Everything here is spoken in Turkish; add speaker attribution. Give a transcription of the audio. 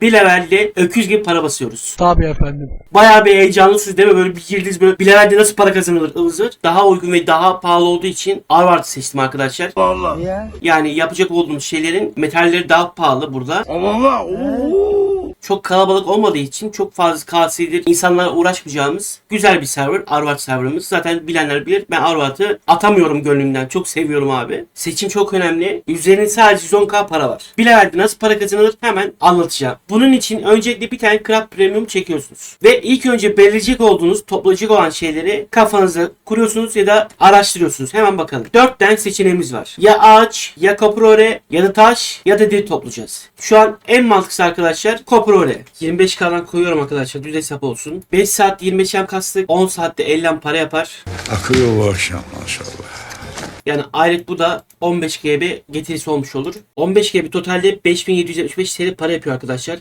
Speaker 1: Bir levelde öküz gibi para basıyoruz.
Speaker 2: Tabii efendim.
Speaker 1: Bayağı bir heyecanlısınız değil mi? Böyle bir girdiniz, böyle bir levelde nasıl para kazanılır ıvır zıvır. Daha uygun ve daha pahalı olduğu için Arvard'ı seçtim arkadaşlar.
Speaker 3: Ya.
Speaker 1: Yani yapacak olduğumuz şeylerin metalleri daha pahalı burada.
Speaker 3: Allah.
Speaker 1: Çok kalabalık olmadığı için çok fazla KS'dir insanlarla uğraşmayacağımız güzel bir server. Arvard serverımız. Zaten bilenler bilir. Ben Arvard'ı atamıyorum gönlümden. Çok seviyorum abi. Seçim çok önemli. Üzerinde sadece 110k para var. Bir levelde nasıl para kazanılır hemen anlatacağım. Bunun için öncelikle bir tane Craft Premium çekiyorsunuz. Ve ilk önce belirleyecek olduğunuz, toplayacak olan şeyleri kafanızda kuruyorsunuz ya da araştırıyorsunuz. Hemen bakalım. 4 tane seçeneğimiz var. Ya ağaç, ya Copper ya da taş ya da deri toplayacağız. Şu an en mantıklısı arkadaşlar Copper. 25k'dan koyuyorum arkadaşlar. Düz hesap olsun. 5 saat 25M kastık. 10 saatte 50 para yapar.
Speaker 3: Akıyor bu akşam maşallah.
Speaker 1: Yani aylık bu da 15 GB getirisi olmuş olur. 15 GB totalde 5775 TL para yapıyor arkadaşlar.